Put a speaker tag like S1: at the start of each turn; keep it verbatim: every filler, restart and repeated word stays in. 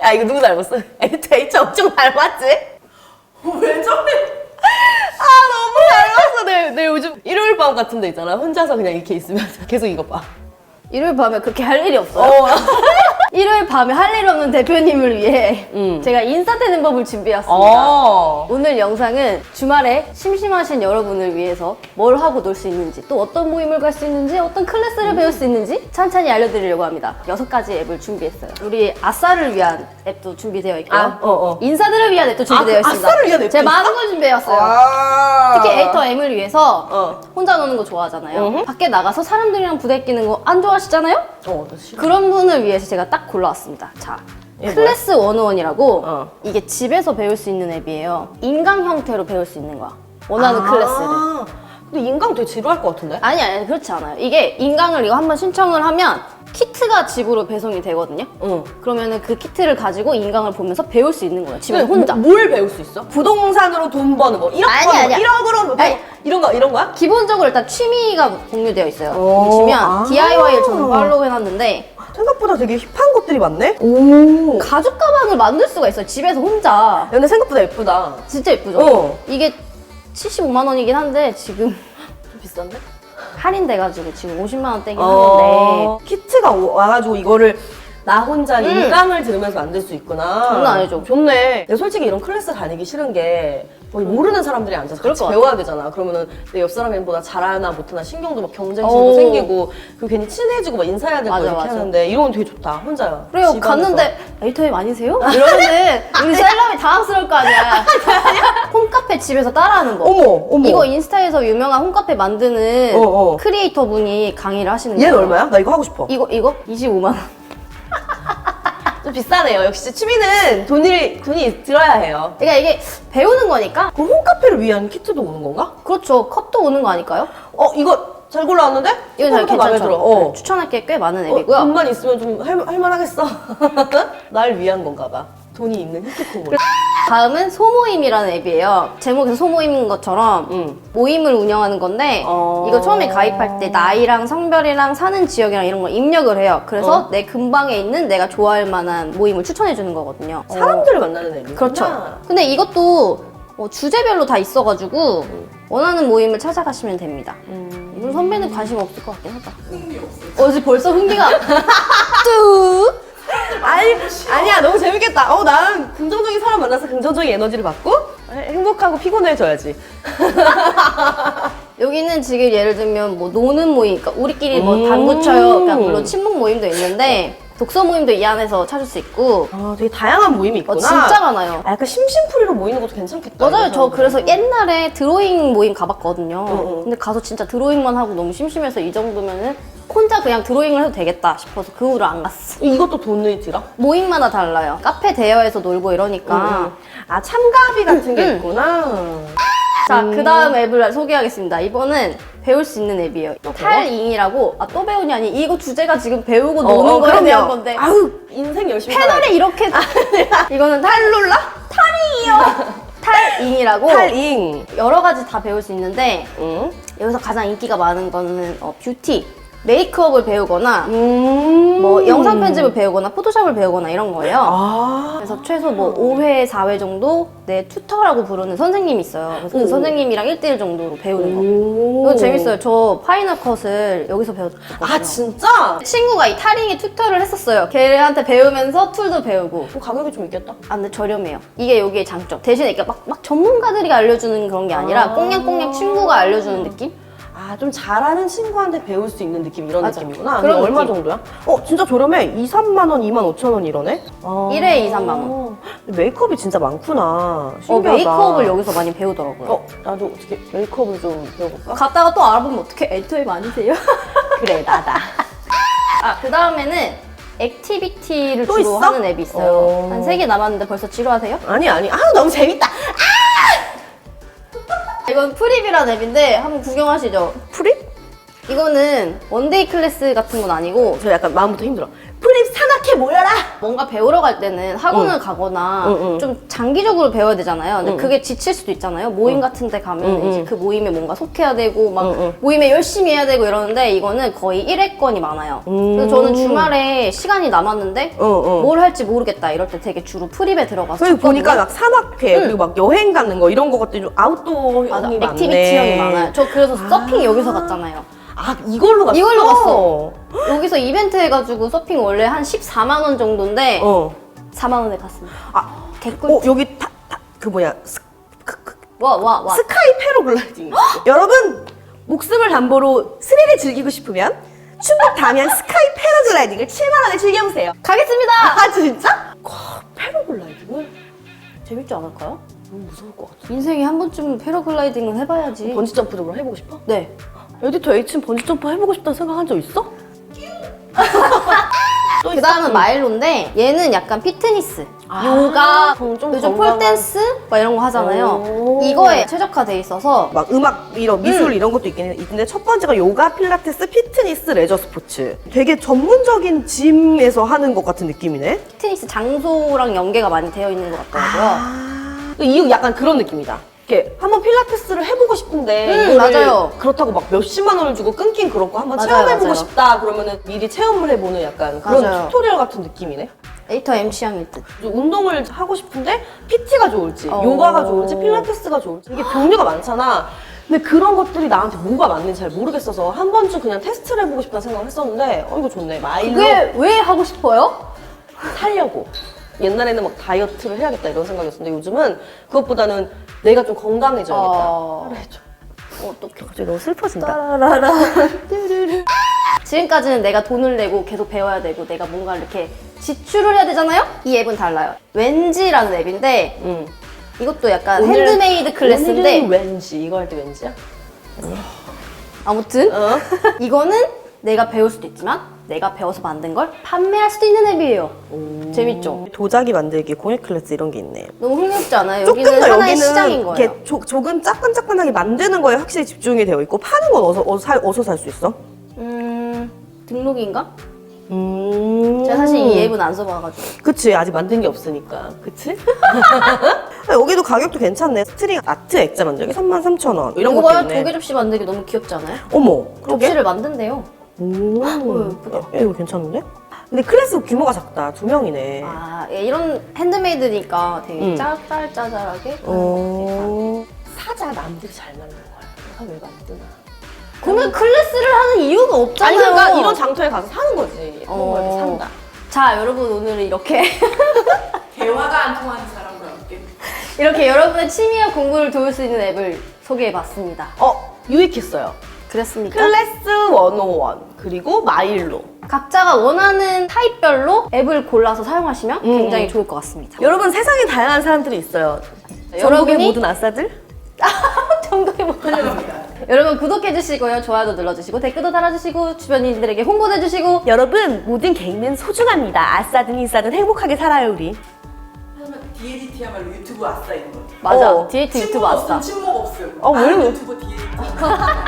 S1: 야 이거 누구 닮았어? H 엄청 닮았지?
S2: 왜 저래?
S1: 아 너무 닮았어. 내, 내 요즘 일요일 밤 같은 데 있잖아. 혼자서 그냥 이렇게 있으면서 계속 이거 봐.
S3: 일요일 밤에 그렇게 할 일이 없어요?
S1: 어.
S3: 일요일 밤에 할 일 없는 대표님을 위해
S1: 음.
S3: 제가 인싸되는 법을 준비했습니다.
S1: 어.
S3: 오늘 영상은 주말에 심심하신 여러분을 위해서 뭘 하고 놀 수 있는지, 또 어떤 모임을 갈 수 있는지, 어떤 클래스를 배울 수 있는지 찬찬히 알려드리려고 합니다. 여섯 가지 앱을 준비했어요. 우리 아싸를 위한 앱도 준비되어 있고요.
S1: 아, 어, 어.
S3: 인싸들을 위한 앱도 준비되어
S1: 아, 그
S3: 있습니다.
S1: 아싸를 위한 앱도
S3: 제가
S1: 있어?
S3: 많은 걸 준비해왔어요.
S1: 아.
S3: 특히 에이터 M을 위해서
S1: 어.
S3: 혼자 노는 거 좋아하잖아요.
S1: 음흠.
S3: 밖에 나가서 사람들이랑 부대끼는 거 안 좋아하시잖아요?
S1: 어, 나 싫어.
S3: 그런 분을 위해서 제가 딱 골라왔습니다. 자,
S1: 이게
S3: 클래스 백일이라고
S1: 어.
S3: 이게 집에서 배울 수 있는 앱이에요. 인강 형태로 배울 수 있는 거야. 원하는 클래스를.
S1: 근데 인강 되게 지루할 것 같은데?
S3: 아니 아니 그렇지 않아요. 이게 인강을 이거 한번 신청을 하면 키트가 집으로 배송이 되거든요.
S1: 응.
S3: 그러면은 그 키트를 가지고 인강을 보면서 배울 수 있는 거예요. 집에서
S1: 근데
S3: 혼자.
S1: 뭐- 뭘 배울 수 있어? 부동산으로 돈 버는 거, 일억
S3: 아니,
S1: 버는
S3: 아니야.
S1: 거, 일억으로 뭐
S3: 아니.
S1: 이런 거 이런 거야?
S3: 기본적으로 일단 취미가 공유되어 있어요.
S1: 오,
S3: 여기 치면
S1: 아.
S3: 디아이와이를 저는 팔로우 해놨는데
S1: 생각보다 되게 힙한 것들이 많네. 오.
S3: 가죽 가방을 만들 수가 있어요. 집에서 혼자.
S1: 근데 생각보다 예쁘다.
S3: 진짜 예쁘죠?
S1: 어.
S3: 이게 칠십오만 원이긴 한데 지금
S1: 좀 비싼데?
S3: 할인돼가지고 지금 오십만 원대긴 하는데
S1: 어. 키트가 오- 와가지고 이거를 나 혼자
S3: 음.
S1: 인강을 들으면서 만들 수 있구나.
S3: 장난 아니죠.
S1: 좋네. 내가 솔직히 이런 클래스 다니기 싫은 게 거의 모르는 사람들이 앉아서
S3: 그럴
S1: 같이
S3: 것
S1: 배워야 되잖아. 그러면은 내 옆 사람보다 잘하나 못하나 신경도 막 경쟁심도
S3: 오.
S1: 생기고 그 괜히 친해지고 막 인사해야 되고
S3: 맞아,
S1: 이렇게
S3: 맞아.
S1: 하는데 이런 건 되게 좋다. 혼자요.
S3: 그래요.
S1: 집안에서.
S3: 갔는데 에이터엠 아니세요? 이러면은 우리 셀럽이 당황스러울 거 아니야. 홈카페 집에서 따라하는 거.
S1: 어머, 어머.
S3: 이거 인스타에서 유명한 홈카페 만드는
S1: 어, 어.
S3: 크리에이터 분이 강의를 하시는 거예요.
S1: 얘는 얼마야? 나 이거 하고 싶어.
S3: 이거 이거 이십오만 원.
S1: 좀 비싸네요. 역시 취미는 돈이 돈이 들어야 해요.
S3: 그러니까 이게 배우는 거니까.
S1: 그 홈카페를 위한 키트도 오는 건가?
S3: 그렇죠. 컵도 오는 거 아닐까요?
S1: 어 이거 잘 골라왔는데?
S3: 이거 잘
S1: 생각보다 마음에
S3: 괜찮죠.
S1: 들어. 어.
S3: 네, 추천할 게 꽤 많은
S1: 어,
S3: 앱이고요.
S1: 돈만 있으면 좀 할, 할만하겠어. 날 위한 건가 봐. 돈이 있는 히트콤을.
S3: 다음은 소모임이라는 앱이에요. 제목에서 소모임인 것처럼
S1: 응.
S3: 모임을 운영하는 건데
S1: 어.
S3: 이거 처음에 가입할 때 나이랑 성별이랑 사는 지역이랑 이런 걸 입력을 해요. 그래서
S1: 어.
S3: 내 근방에 있는 내가 좋아할 만한 모임을 추천해 주는 거거든요.
S1: 사람들을 만나는 앱이구나.
S3: 그렇죠. 근데 이것도 어, 주제별로 다 있어가지고 원하는 모임을 찾아가시면 됩니다.
S1: 음.
S3: 이건 선배는 관심 없을 것 같긴 하다. 어제 벌써 흥미가 뚝!
S1: 아니, 아니야. 너무 재밌겠다. 어, 나는 긍정적인 사람 만나서 긍정적인 에너지를 받고 행복하고 피곤해져야지.
S3: 여기는 지금 예를 들면 뭐 노는 모임, 그러니까 우리끼리 뭐
S1: 음.
S3: 당구 쳐요. 그러니까 물론 친목 모임도 있는데 독서 모임도 이 안에서 찾을 수 있고
S1: 아, 되게 다양한 모임이
S3: 어,
S1: 있구나.
S3: 진짜 많아요.
S1: 아, 약간 심심풀이로 모이는 것도 괜찮겠다.
S3: 맞아요.
S1: 이런
S3: 저
S1: 사람들.
S3: 그래서 옛날에 드로잉 모임 가봤거든요.
S1: 어, 어.
S3: 근데 가서 진짜 드로잉만 하고 너무 심심해서 이 정도면은 혼자 그냥 드로잉을 해도 되겠다 싶어서 그 후로 안 갔어.
S1: 이것도 돈이 들어?
S3: 모임마다 달라요. 카페 대여해서 놀고 이러니까.
S1: 아, 참가비 같은 게
S3: 음.
S1: 있구나.
S3: 자, 그 다음 앱을 소개하겠습니다. 이번은 배울 수 있는 앱이에요.
S1: 또 배워?
S3: 탈잉이라고, 아, 또 배우니 아니, 이거 주제가 지금 배우고
S1: 어,
S3: 노는
S1: 어,
S3: 거에
S1: 그럼요.
S3: 대한 건데.
S1: 아우, 인생 열심히 살아야
S3: 패널에
S1: 돼.
S3: 이렇게. 이거는 탈룰라? 탈잉이요! 탈잉이라고.
S1: 탈잉.
S3: 여러 가지 다 배울 수 있는데,
S1: 응.
S3: 여기서 가장 인기가 많은 거는 어, 뷰티, 메이크업을 배우거나,
S1: 음.
S3: 뭐 영상 편집을 배우거나, 포토샵을 배우거나 이런 거예요.
S1: 아.
S3: 그래서 최소 뭐 오 회, 사 회 정도 내 튜터라고 부르는 선생님이 있어요. 그래서 그
S1: 오.
S3: 선생님이랑 일 대일 정도로 배우는 거.
S1: 오.
S3: 이거 재밌어요. 저 파이널 컷을 여기서 배웠거든요.
S1: 아, 진짜?
S3: 친구가 이 타링의 튜터를 했었어요. 걔한테 배우면서 툴도 배우고.
S1: 그 가격이 좀 있겠다.
S3: 아, 근데 저렴해요. 이게 여기의 장점. 대신에 이게 막, 막 전문가들이 알려주는 그런 게 아니라
S1: 아.
S3: 꽁냥꽁냥 친구가 알려주는 느낌?
S1: 아, 좀 잘하는 친구한테 배울 수 있는 느낌 이런
S3: 맞아.
S1: 느낌이구나.
S3: 그런
S1: 그럼 얼마
S3: 느낌.
S1: 정도야? 어, 진짜 저렴해. 이, 삼만 원, 이만 오천 원 이러네? 아.
S3: 일 회에 이, 삼만 원.
S1: 메이크업이 진짜 많구나.
S3: 어,
S1: 신기하다.
S3: 메이크업을 여기서 많이 배우더라고요.
S1: 어, 나도 어떻게 메이크업을 좀 배워볼까?
S3: 갔다가 또 알아보면 어떻게 에이터엠 아니세요?
S1: 그래, 나다.
S3: 아, 그 다음에는 액티비티를
S1: 또
S3: 주로
S1: 있어?
S3: 하는 앱이 있어요.
S1: 어.
S3: 한 세 개 남았는데 벌써 지루하세요?
S1: 아니, 아니. 아, 너무 재밌다.
S3: 이건 프립이라는 앱인데 한번 구경하시죠.
S1: 프립?
S3: 이거는 원데이 클래스 같은 건 아니고
S1: 저 약간 마음부터 힘들어. 프립 산악회 모여라!
S3: 뭔가 배우러 갈 때는 학원을 가거나
S1: 응, 응.
S3: 좀 장기적으로 배워야 되잖아요. 근데
S1: 응.
S3: 그게 지칠 수도 있잖아요. 모임 같은 데 가면
S1: 응,
S3: 이제
S1: 응.
S3: 그 모임에 뭔가 속해야 되고 막
S1: 응, 응.
S3: 모임에 열심히 해야 되고 이러는데 이거는 거의 일회권이 많아요. 그래서 저는 주말에 시간이 남았는데
S1: 응, 응.
S3: 뭘 할지 모르겠다 이럴 때 되게 주로 프립에 들어가서
S1: 그리고
S3: 쳤거든요.
S1: 보니까 막 산악회,
S3: 응.
S1: 그리고 막 여행 가는 거 이런 거 것들이 좀 아웃도어형이
S3: 맞아,
S1: 많네.
S3: 액티비티형이 많아요. 저 그래서 서핑 여기서 갔잖아요.
S1: 아, 이걸로 갔어?
S3: 이걸로 갔어. 여기서 이벤트 해가지고 서핑 원래 한 십사만 원 정도인데
S1: 어.
S3: 사만 원에 갔습니다.
S1: 아,
S3: 개꿀.
S1: 어, 여기 타, 타, 그 뭐야. 스, 그, 그,
S3: 와, 와, 와.
S1: 스카이 패러글라이딩. 여러분, 목숨을 담보로 스릴을 즐기고 싶으면 충북 담양 스카이 패러글라이딩을 칠만 원에 즐겨보세요.
S3: 가겠습니다!
S1: 아, 진짜? 와, 패러글라이딩을?
S3: 재밌지 않을까요?
S1: 너무 무서울 것 같아.
S3: 인생에 한 번쯤 패러글라이딩은 해봐야지.
S1: 번지점프도 그럼 해보고 싶어?
S3: 네.
S1: 에디터 H는 번지점프 해보고 싶다는 생각 한 적 있어? 또
S3: 그 다음은 마일로인데 얘는 약간 피트니스,
S1: 아,
S3: 요가,
S1: 좀- 좀
S3: 요즘
S1: 건강한-
S3: 폴댄스 막 이런 거 하잖아요.
S1: 오.
S3: 이거에 최적화돼 있어서
S1: 막 음악 이런 미술
S3: 음.
S1: 이런 것도 있긴 있는데 첫 번째가 요가, 필라테스, 피트니스, 레저 스포츠. 되게 전문적인 짐에서 하는 것 같은 느낌이네.
S3: 피트니스 장소랑 연계가 많이 되어 있는 것 같더라고요.
S1: 아, 이거 약간 그런 느낌이다. 이렇게 한번 필라테스를 해보고 싶은데
S3: 음,
S1: 이거를
S3: 맞아요.
S1: 그렇다고 막 몇십만 원을 주고 끊긴 그렇고 한번
S3: 맞아요,
S1: 체험해보고
S3: 맞아요.
S1: 싶다 그러면은 미리 체험을 해보는 약간 그런
S3: 맞아요.
S1: 튜토리얼 같은 느낌이네.
S3: 에디터 엠씨양일 듯.
S1: 운동을 하고 싶은데 피티가 좋을지
S3: 어.
S1: 요가가 좋을지 필라테스가 좋을지 이게 종류가 많잖아. 근데 그런 것들이 나한테 뭐가 맞는지 잘 모르겠어서 한 번쯤 그냥 테스트를 해보고 싶다는 생각을 했었는데 어 이거 좋네. 마일로
S3: 그게 왜 하고 싶어요?
S1: 살려고. 옛날에는 막 다이어트를 해야겠다 이런 생각이었는데 요즘은 그것보다는 내가 좀 건강해져야겠다.
S3: 어...
S1: 해줘.
S3: 어떡해.
S1: 갑자기 너무 슬퍼진다.
S3: 따라라라. 뚜루루. 지금까지는 내가 돈을 내고 계속 배워야 되고 내가 뭔가 이렇게 지출을 해야 되잖아요? 이 앱은 달라요. 왠지라는 앱인데
S1: 응.
S3: 이것도 약간
S1: 오늘-
S3: 핸드메이드 클래스인데
S1: 오늘은 왠지 이거 할 때 왠지야?
S3: 아무튼
S1: 어?
S3: 이거는 내가 배울 수도 있지만 내가 배워서 만든 걸 판매할 수도 있는 앱이에요. 재밌죠?
S1: 도자기 만들기, 공예 클래스 이런 게 있네.
S3: 너무 흥미롭지 않아요?
S1: 조금
S3: 여기는
S1: 더
S3: 하나의
S1: 여기는
S3: 시장인 거예요.
S1: 이렇게 조, 조금 짜끈짜끈하게 만드는 거에 확실히 집중이 되어 있고 파는 건 어디서 어디서 살, 어디서 살 수 있어?
S3: 음... 등록인가?
S1: 음.
S3: 제가 사실 이 앱은 안 써봐가지고
S1: 그치 아직 만든 게 없으니까 그치? 여기도 가격도 괜찮네. 스트링 아트 액자 만들기 삼만 삼천 원 이런
S3: 이거
S1: 것도
S3: 봐요.
S1: 있네.
S3: 조개 접시 만들기 너무 귀엽지 않아요?
S1: 어머 그러게?
S3: 접시를 만든대요.
S1: 오,
S3: 예쁘다.
S1: 야, 이거 괜찮은데? 근데 클래스 규모가 작다. 두 명이네.
S3: 아, 예, 이런 핸드메이드니까 되게
S1: 음.
S3: 짤짤짤짤하게.
S1: 어... 사자 남들이 잘 만든 거야. 내가 왜 만드나?
S3: 그러면 클래스를 하는 이유가
S1: 아니
S3: 없잖아요.
S1: 그러니까 이런 장터에 가서 사는 거지. 그런
S3: 어.
S1: 걸 산다.
S3: 자, 여러분 오늘은 이렇게
S2: 대화가 안 통하는 사람과 함께.
S3: 이렇게 여러분의 취미와 공부를 도울 수 있는 앱을 소개해봤습니다.
S1: 어 유익했어요.
S3: 그랬습니까?
S1: 클래스 백일 그리고 마일로.
S3: 각자가 원하는 타입별로 앱을 골라서 사용하시면
S1: 음.
S3: 굉장히 좋을 것 같습니다.
S1: 여러분 세상에 다양한 사람들이 있어요.
S3: 여러분이-
S1: 전국의 모든 아싸들.
S3: 정도의 못 여러분 구독해주시고요. 좋아요도 눌러주시고 댓글도 달아주시고 주변인들에게 홍보도 해주시고
S1: 여러분 모든 개인은 소중합니다. 아싸든 인싸든 행복하게 살아요 우리.
S2: 하지만 디에디티야말로 유튜브 아싸인 거.
S3: 맞아.
S1: 어.
S3: 디에이트 유튜브
S2: 침묵
S3: 아싸.
S2: 없음, 침묵 없음.
S1: 어, 왜
S2: 나는
S1: 이러-
S2: 유튜브 디에디티.